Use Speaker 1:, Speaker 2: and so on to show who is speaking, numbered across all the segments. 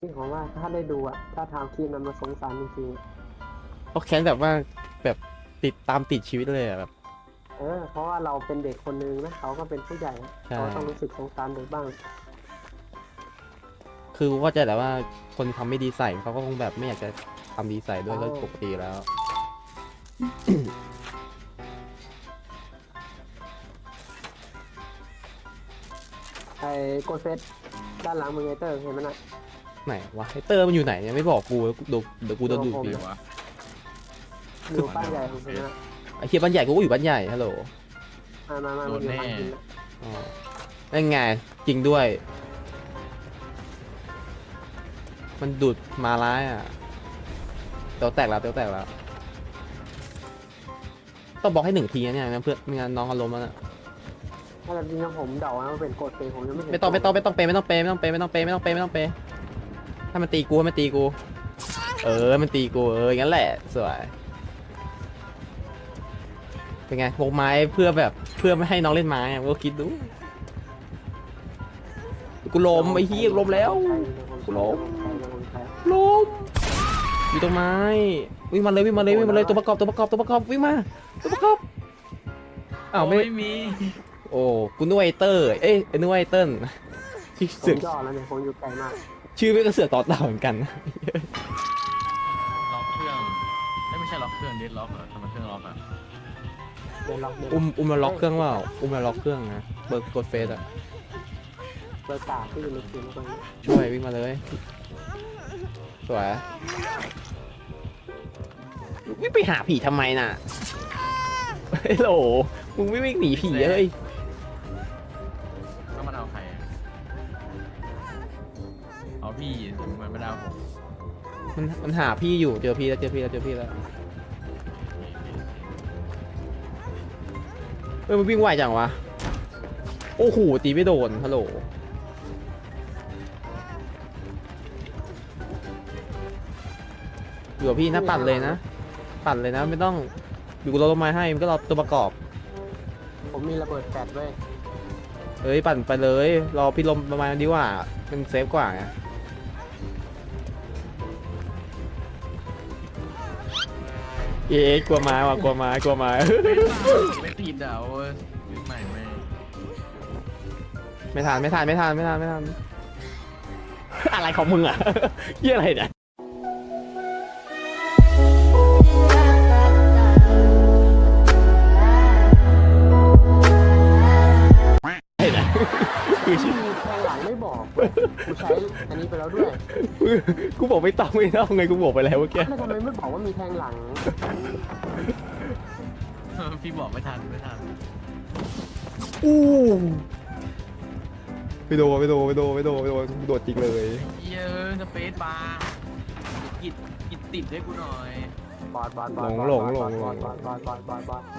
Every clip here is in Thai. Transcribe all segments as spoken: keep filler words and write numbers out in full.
Speaker 1: ที่ผมว่าถ้าได้ดูอะถ้าทำคลิปนั้นมาสงสารจริง
Speaker 2: เขาแค้นแบบว่าแบบติดตามติดชีวิตเลยอะแบบ
Speaker 1: ๆเออเพราะว่าเราเป็นเด็กคนนึงนะเขาก็เป็นผู้ใหญ่อะ
Speaker 2: ใช่
Speaker 1: เขาต้องรู้สึกสงสารเด็กบ้าง
Speaker 2: คือก็จะแต่ว่าคนทำไม่ดีใส่เขาก็คงแบบไม่อยากจะทำดีใส่ด้วยก็
Speaker 1: อ๋อ
Speaker 2: ปกติแล้ว
Speaker 1: ไอ้โกดเฟสด้านหลังมึงไอเตอร์เห็นไหมน่ะ
Speaker 2: ไหนวะไอเตอร์มันอยู่ไหนเนี่ยไม่บอกกูดูเดี๋ยวกูโดนดูด
Speaker 1: โอ้โห
Speaker 2: ดี
Speaker 3: วะ
Speaker 1: อยู่ป้ายใหญ่ของผมนะ
Speaker 2: ไอเคียบ้านใหญ่กูก็อยู่บ้านใหญ่ฮัลโหล
Speaker 1: มามามา
Speaker 3: โด
Speaker 1: มัน
Speaker 3: น
Speaker 1: อยู่
Speaker 3: แน่
Speaker 1: หลังกินนะ
Speaker 2: อ๋อนั่นไงจริงด้วย มันดูดมาร้ายอ่ะเตียวแตกแล้วเตียวแตกแล้วต้องบอกให้หนึ่งทีนะเนี่ยงั้นเพื่อนไม่งั้นน้องเขาล้มแล้วนะ
Speaker 1: ถ้าจริงๆผมเดาว่าเป็นโกดเฟสผมยังไม่เห็น
Speaker 2: ไม่ต้องไม่ต้องไม่ต้องเปย์ไม่ต้องเปย์ไม่ต้องเปย์ไม่ต้องเปย์ไม่ต้องเปย์ไม่ต้องเปย์ถ้ามันตีกูให้มันตีกู เออมันตีกูเอออย่างนั้นแหละสวยเป็นไงพกไม้เพื่อแบบเพื่อไม่ให้น้องเล่นไม้อะก็คิดดูกูล้มไอ้เหี้ยล้มแล้ว กูล้ม ล้มอยู่ตรงไม้วิ่งมาเลยวิ่งมาเลยวิ่งมาเลยตัวประกอบตัวประกอบตัวประกอบวิ่งมาตัวประกอบอ้าวไม่
Speaker 3: ไม่มี
Speaker 2: โอ้กูนึกว่าไอเตอร์เอ้ยนึกว่าไอเติ้ลที่
Speaker 1: ผ
Speaker 2: เสือ
Speaker 1: ม
Speaker 2: ก
Speaker 1: ย่อแล้วเนี่ยผมอยู่ไกลมาก
Speaker 2: ชื่อไม่ก็เสือกต่อเต่าเหมือนกัน
Speaker 3: ล็อกเครื่องไม่ไม่ใช่ล็อกเครื่องดิสล็อกเหรอทำไมเครื่องล็อกอ่ะ
Speaker 1: เดินล็อกเดิน
Speaker 2: อุ้มอุ้มมาล็อกเครื่องว่าอุ้มมาล็อกเครื่องนะเบิร์กดเฟสอะ
Speaker 1: เปิดตาที่อยู่ในคลิปตรงนี้
Speaker 2: ช่วยวิ่งมาเลยสวยวิ่งไปหาผีทำไมน่ะเฮ้ยโหลมึงไม่วิ่งหนีผีเฮ้ย
Speaker 3: ก็มันเอาใครอะเอาพี่มันไม่ได้เอาผม
Speaker 2: มันมันหาพี่อยู่เจอพี่แล้วเจอพี่แล้วเจอพี่แล้วเฮ้ยมันวิ่งไวจังวะโอ้โหตีไม่โดนฮัลโหลอยู่กับพี่นะปั่นเลยนะปั่นเลยนะไม่ต้องอยู่กับเราต้นไม้ให้มันก็รอตัวประกอบ
Speaker 1: ผมมีระเบิดแฟลชไว้ย
Speaker 2: เฮ้ยปั่นไปเลยรอพี่ลมประมาณดีกว่ามันเซฟกว่าไงเอ๊ะกลัวไม้ว่ะกลัวไม้กลัวไม้
Speaker 3: ไม่ติดอ่ะโอ้ยใหม่ไม่
Speaker 2: ไม่ทันไม่ทันไม่ทันไม่ทันไม่ทัน อะไรของมึงอ่ะ เยี่ยอะไรเนี่ยเห็นไหมคือชื่อ
Speaker 1: มีแทงหลังไม่บอกเว้ยกูใช้อันนี้ไปแล้วด้วย
Speaker 2: กูบอกไม่ต้องไม่ต้องไงกูบอกไปแล้วเมื่อกี้
Speaker 1: แล้วทำไมไม่บอกว่ามีแทงหลัง
Speaker 3: พี่บอกไม่ทันไม่ทัน
Speaker 2: อู้ไม่โดนไม่โดนไม่โดนไม่โดนไม่โดนโดดจริงเลย
Speaker 3: เยอะสเปซบาร์กิดกิดติดให้กูหน่อย
Speaker 1: บอดบอดบอด
Speaker 2: หลงหลงหลง
Speaker 1: บอดบอดบอดบอดบอด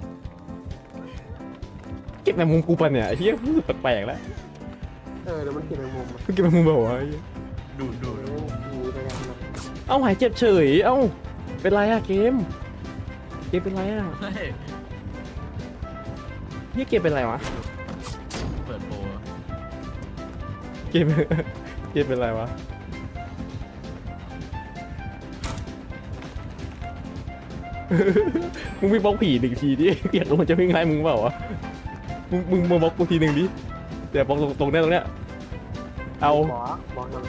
Speaker 2: เก็บในมุมกูปะเนี่ยไอ้เหี้ยรู้สึกแปลกๆแล้ว
Speaker 1: เออแล้วมันกินแมงมุมอะ
Speaker 2: เก็บในมุมแบบว่าไอ้เหี้ย
Speaker 3: ดูดดูด
Speaker 1: เออหนีไปกันนะ
Speaker 2: เอ้าหายเจ็บเฉยเอ้าเป็นไรอะเกมเกมเป็นไรอะ
Speaker 3: เฮ้ย
Speaker 2: เฮียเกมเป็นไรวะ
Speaker 3: เปิดโปร
Speaker 2: เกม เกมเป็นไรวะ มึงวิ่งบล็อกผีหนึ่งทีดิอยากรู้มันจะวิ่งไล่มึงเปล่าวะ มึงมึงมาบล็อกกูทีหนึ่งดิเดี๋ยวบล็อกตรงตรงเนี้ยตรงเนี้ย เอา
Speaker 1: บอกบอกหน่อย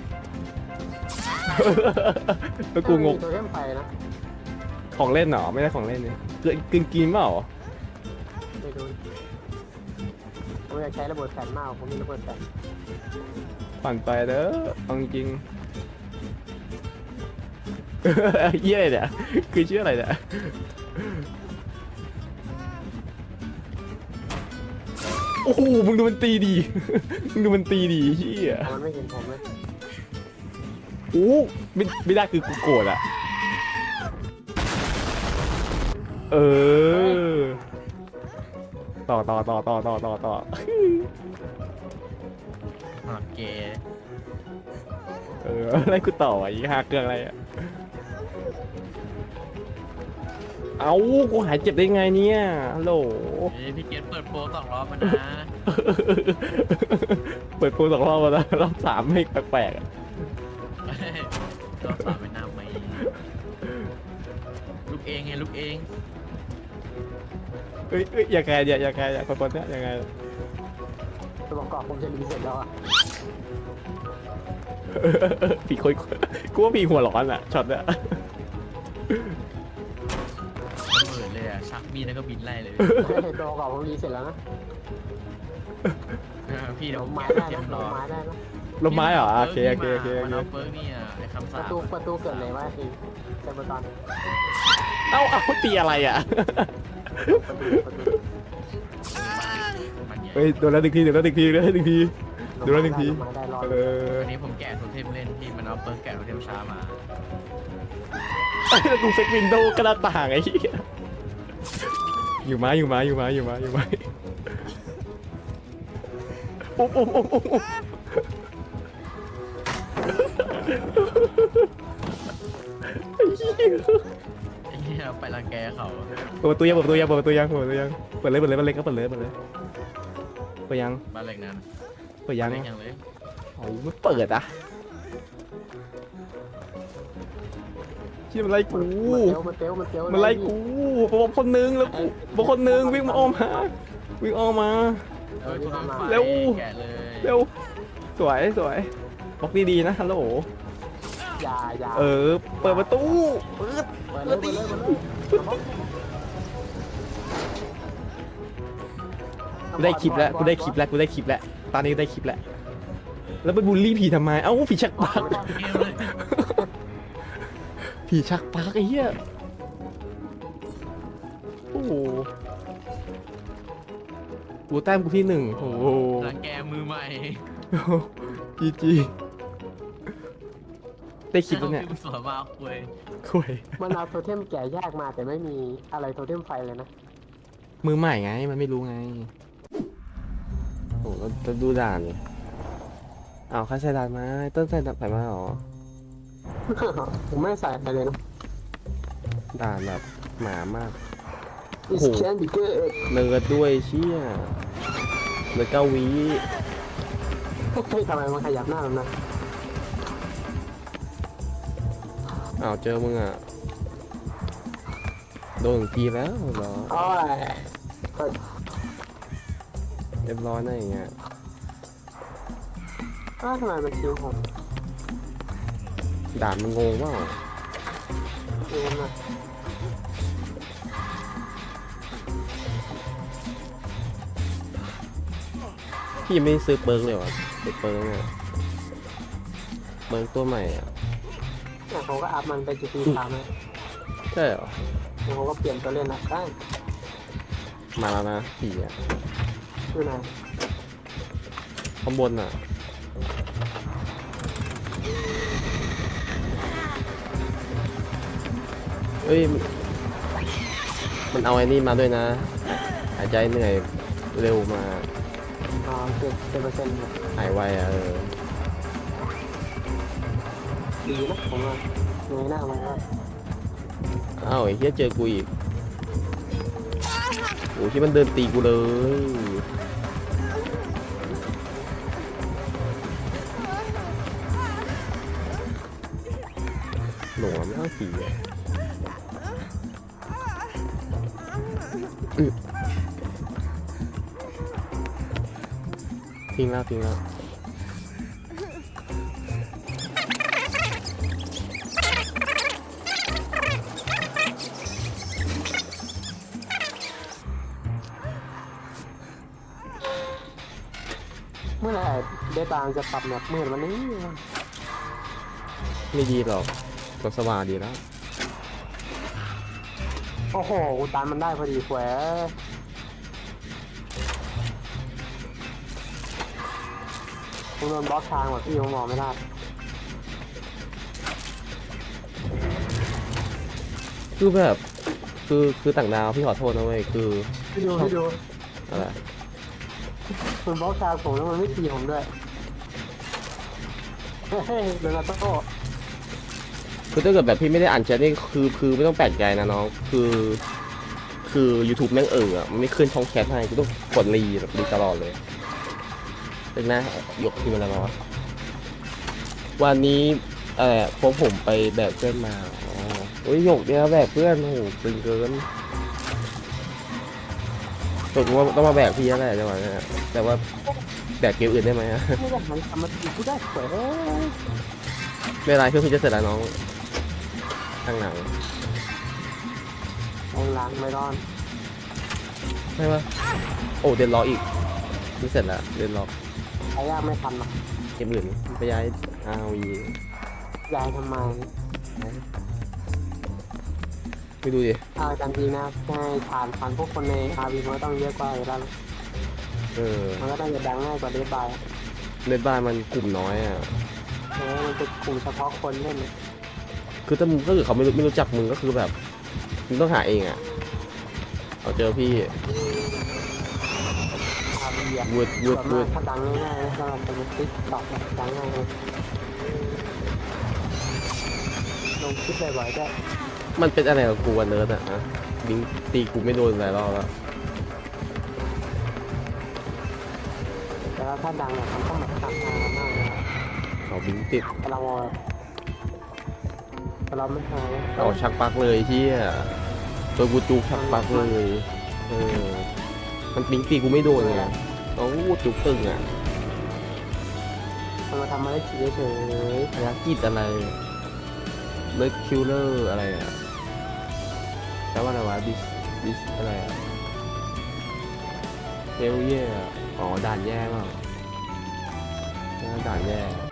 Speaker 2: แล้วกูงง
Speaker 1: ตัวเล่มไปนะ
Speaker 2: ของเล่นเหรอ ไม่ได้ของเล่นเนี่ยเกินกินกินเปล่า
Speaker 1: ไม่ดูผมอยากใช้ระเบิดแฟลชมากผมมีระเบิดแฟลช
Speaker 2: ผ่านไปเด้อเอาจริง เยี่ยอะไรเนี่ยคือชื่ออะไรเนี่ยโอ้โหมึงดูมันตีดี มึงดูมันตีดีเฮีย
Speaker 1: แต่มันไม่เห็นผมเลย
Speaker 2: โอ้ไม่ไม่ได้คือกูโกรธอะเออต่อต่อต่อต่อต่อต่อต่อ
Speaker 3: หอดเกย์
Speaker 2: เอออะไรกูต่ออ่ะอีกห้าเครื่องอะไรอะเอากูหายเจ็บได้ไงเนี่ยฮัลโหล
Speaker 3: เฮ้ยพี่เกดเปิดโปรสองรอบมานะ
Speaker 2: เปิดโปรสองรอบแล้วนะรอบสามไม่แปลกๆอะ
Speaker 3: ก็สาวไปหน้าไม่ลูกเองไงลูกเอง
Speaker 2: เอ้ยเอ้ยอย่าแกอย่าอย่าแกอย่าคนๆเนี่ยยังไง
Speaker 1: ตัวประกอบผมจะรีเซ็ตแล้วอ่ะ
Speaker 2: ผีคุยกูว่าผีหัวร้อนอ่ะช็อตเนี่ย
Speaker 3: ระเบิดเลยอ่ะชักมีดแล้วก็บินไล่เลย
Speaker 1: ตัวประกอบผมรีเซ็ตแล้วนะ
Speaker 3: เออพี่เดี๋ยว
Speaker 1: ล
Speaker 3: ผม
Speaker 1: มไม้
Speaker 3: แกะ
Speaker 1: ได้
Speaker 3: เทีย
Speaker 1: นะ
Speaker 3: ม
Speaker 1: ล
Speaker 3: รอ
Speaker 1: มไม้ได้นะ
Speaker 2: ลมไม้เหรอโอเคโอเคโอเคโอ
Speaker 3: มัน
Speaker 2: เค
Speaker 3: เอาเปิร์กนี่อ่ะไอ้คำ
Speaker 1: ป
Speaker 3: สา
Speaker 1: ระ
Speaker 3: ป
Speaker 1: ตูประตูเกิดเลยว่าทีเซมเบอร์ตอน
Speaker 2: เอ้าเอ้าตีอะไรอ่ะ
Speaker 1: ประตูประตู
Speaker 3: มันใหญ่
Speaker 2: เฮ้ยโดนแล้วหนึ่งทีโดนแล้วหนึ่งทีโดนแล้วหนึ่งทีโดนแล้วหนึ่งที
Speaker 1: ลมไม้ได้รอ
Speaker 2: เออ
Speaker 3: วันนี้ผมแกะโทเทมเล่นที่มันเอาเปิร์กแกะโทเทมช้ามา
Speaker 2: แล้วกูเซ็กวินโดว์กระดาษต่างไอ้เหี้ยอยู่มาอยู่มาอยู่มาอยู่มาอยู่มาอุ๊บอุ๊บอุ๊บอุ๊บอุ๊บ
Speaker 3: ไอ้เหี้ยไปรังแกเขา
Speaker 2: เปิดประตูยังเปิดประตูยังเปิดประตูยังเปิดประตูยังเปิดเลยเปิดเลยเปิดเลยก็เปิดเลยเปิดเลยเปิดยัง
Speaker 3: บ้านเหล็กนั้น
Speaker 2: เปิดยัง
Speaker 3: เล็กยังเลย
Speaker 2: โอ้ยไม่เปิดอ่ะที่มันไล่กู
Speaker 1: มันเตลมันเตล
Speaker 2: มันไล่กูบอกคนนึงแล้วกูบอกคนนึงวิ่งมาอ้อมมาวิ่งอ้อมมา
Speaker 3: เออคุณน้ำไฟ
Speaker 2: เร็ว
Speaker 3: แกะเลย
Speaker 2: เร็วสวยสวยบอกดีๆนะฮัลโหล
Speaker 1: อย่าอย่า
Speaker 2: เออเปิดประตูเปิด
Speaker 1: เปิดเลยเปิดเลยเปิดเลย
Speaker 2: กูได้คลิปแล้วกูได้คลิปแล้วกูได้คลิปแล้วตอนนี้กูได้คลิปแล้วแล้วไปบูลลี่ผีทำไมเอ้าผีชักปาก
Speaker 3: เกมเลย
Speaker 2: ผีชักปากไอ้เหี้ยโอ้โหกูแต้มกูที่หนึ่งโอ้โห
Speaker 3: รังแกมือใหม่
Speaker 2: จีจีได้คลิปแล้วเนี่ย
Speaker 3: อาสวนมาคุย
Speaker 2: คุย
Speaker 1: มันเอาโทเทมแก่ยากมาแต่ไม่มีอะไรโทเทมไฟเลยนะ
Speaker 2: มือใหม่ไงมันไม่รู้ไงโอ้เราจะดูด่านเลยอ้าวใครใส่ด่านมาต้นใส่ด่านใส่มาเหรอ
Speaker 1: ผมไม่ใส่อะไรเลยนะ
Speaker 2: ด่านแบบหมามาก
Speaker 1: It can be good
Speaker 2: เนิร์ดด้วยเชี่ยเนิร์ดเก้าวิ
Speaker 1: เฮ้ยทำไมมันขยับหน้าแบบนั้น
Speaker 2: อ้าวเจอมึงอ่ะโดนทีแล้วเหรอ
Speaker 1: โอ้ย
Speaker 2: เรียบร้อยนะอย่างเงี้ย
Speaker 1: อ้าวทำไมมันคิวผม
Speaker 2: ด่านมันงงว่า
Speaker 1: คิวมัน
Speaker 2: พี่ยังไม่ได้ซื้อเปิร์กเลยวะซื้อเปิร์กเนี่ยเปิร์กตัวใหม่อ่ะ
Speaker 1: เนี่ยผมก็อัพมันไปจีพีสามเลย
Speaker 2: ใช่เหรอ
Speaker 1: แล้วผมก็เปลี่ยนตัวเล่นนะได้
Speaker 2: มาแล้วนะผีอ่ะ
Speaker 1: อยู่ไหน
Speaker 2: ข้างบนอ่ะเอ้ยมันเอาไอ้นี่มาด้วยนะหายใจเหนื่อยเร็วมา
Speaker 1: อ๋อเจ็ดเจ็ดเปอร์เซ็นต์
Speaker 2: หายไวอ่ะเออ
Speaker 1: ดีนะผมว่าเงยหน้ามันก็
Speaker 2: อ้าวไอ้เหี้ยเจอกูอีกโอ้ที่มันเดินตีกูเลยหลงมากผีอ่ะอื้อทิ้งแล้วทิ้งแล้ว
Speaker 1: เมื่อไหร่เดตางจะปรับแมปมืดวันนี้
Speaker 2: ไม่ดีหรอกก็สว่างดีแล้ว
Speaker 1: โอ้โหกูตามมันได้พอดีแหวผมโดนบล็อกทางแบบพี่ผมมองไม่ได้
Speaker 2: คือแบบคือคือต่างดาวพี่ขอโทษนะเว้ยคือ
Speaker 1: พี่ดูพี่ดู
Speaker 2: อะไร
Speaker 1: มันบล็อกทางผมแล้วมันไม่ตีผมด้วยเฮ้ยเดนาโต้
Speaker 2: คือถ้าเกิดแบบพี่ไม่ได้อ่านแชทนี่คือคือไม่ต้องแปลกใจนะน้องคือคือ YouTube แม่งเอออะมันไม่ขึ้นช่องแชทให้กูต้องกดรีแบบรีตลอดเลยเป็นนะยกทีมอะไรมาวะวันนี้อะไรอะพวกผมไปแบกเพื่อนมาอ๋อโอ้ยหยกเนี่ยแบกเพื่อนโอ้โหตึงเกินตกลงว่าต้องมาแบกพี่แล้วแหละจังหวะเนี้ยแต่ว่าแบกเกมอื่นได้ไหมอะ
Speaker 1: ไม่ได้หันกลับมาตีกูได้สวยเอ้ย
Speaker 2: ไม่เป็นไรเครื่องพี่จะเสร็จแล้วน้องข้างหลัง
Speaker 1: แรงล้างไม่รอด
Speaker 2: ไม่ว่าโอ้เดนล็อกอีกนี่เสร็จแล้วเดนล็อก
Speaker 1: ใช้ยากไม่ทันหรอก
Speaker 2: เกมอื่นไปย้ายอาวี
Speaker 1: ยายทำไม
Speaker 2: ไปดูดิ
Speaker 1: เอาจริงๆนะใช่ผ่านผ่านพวกคนในอาร์วีมันก็ต้องเยอะกว่าอยู่แล้ว
Speaker 2: เออ
Speaker 1: มันก็ต้องจะดังง่ายกว่าเดบาย
Speaker 2: เล่นบ้านมันกลุ่มน้อยอ่ะ
Speaker 1: เออมันเป็นกลุ่มเฉพาะคนเล่น
Speaker 2: คือถ้ามึงก็คือเขาไม่รู้ไม่รู้จักมึงก็คือแบบมึงต้องหาเองอ่ะเอาเจอพี่
Speaker 1: อาร์วีอะ
Speaker 2: วืดวื
Speaker 1: ส่
Speaker 2: ด
Speaker 1: วน
Speaker 2: วื
Speaker 1: มาก
Speaker 2: ด
Speaker 1: ถ้าดังง่ายๆนะถ้ามันเป็นติ๊กต็อกดังง่ายเลยลงคลิปบ่อยๆได้
Speaker 2: มันเป็นอะไรกับกูวันเนิร์ดอ่ะฮะบิงตีกูไม่โดนหลายรอบแล้ว
Speaker 1: แต่ว่าถ้าดังเนี่ยมันต้องแบบตัดมามากเลยอะ
Speaker 2: เอาบิงติด
Speaker 1: แต่เราแต่เราไม่หาย
Speaker 2: เอาชักปลักเลยที่ตัวกูจุกชักปลักเลยเออมันบิงตีกูไม่โดนไงเอาจุกตึงอ่ะ
Speaker 1: มันมาทำอะไรฉีเฉย
Speaker 2: ภารกิจอะไรเลิกคิลเลอร์อะไรอ่ะแปลว่าอะไรวะดิสดิสอะไรอ่ะเฮลเย่อ๋อด่านแย่เปล่าด่านแย่